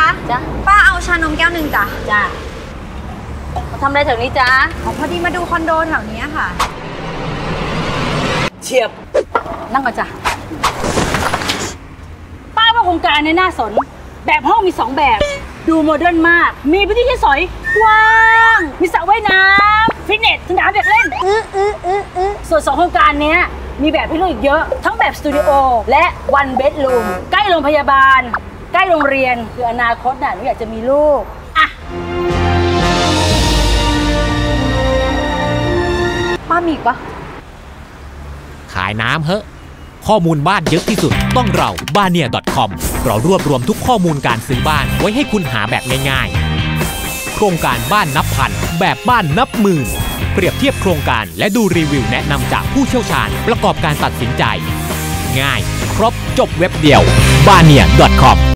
จ้ะป้าเอาชานมแก้วหนึ่งจ้ะจ้ะมาทำอะไรแถวนี้จ้ะพอดีมาดูคอนโดแถวนี้ค่ะเฉียบนั่งก่อนจ้ะป้าว่าโครงการในน่าสนแบบห้องมี2แบบดูโมเดิร์นมากมีพื้นที่ใช้สอยกว้างมีสระว่ายน้ำฟิตเนสสนามเด็กเล่นส่วน2โครงการนี้มีแบบให้เลือกอีกเยอะทั้งแบบสตูดิโอและวันเบดรูมใกล้โรงพยาบาลใกล้โรงเรียนคืออนาคตน่ะหนูอยากจะมีลูกอ่ะป้ามีอีกปะขายน้ำเหอะข้อมูลบ้านเยอะที่สุดต้องเราbania.com เรารวบรวมทุกข้อมูลการซื้อบ้านไว้ให้คุณหาแบบง่ายๆโครงการบ้านนับพันแบบบ้านนับหมื่นเปรียบเทียบโครงการและดูรีวิวแนะนำจากผู้เชี่ยวชาญประกอบการตัดสินใจง่ายครบจบเว็บเดียวbania.com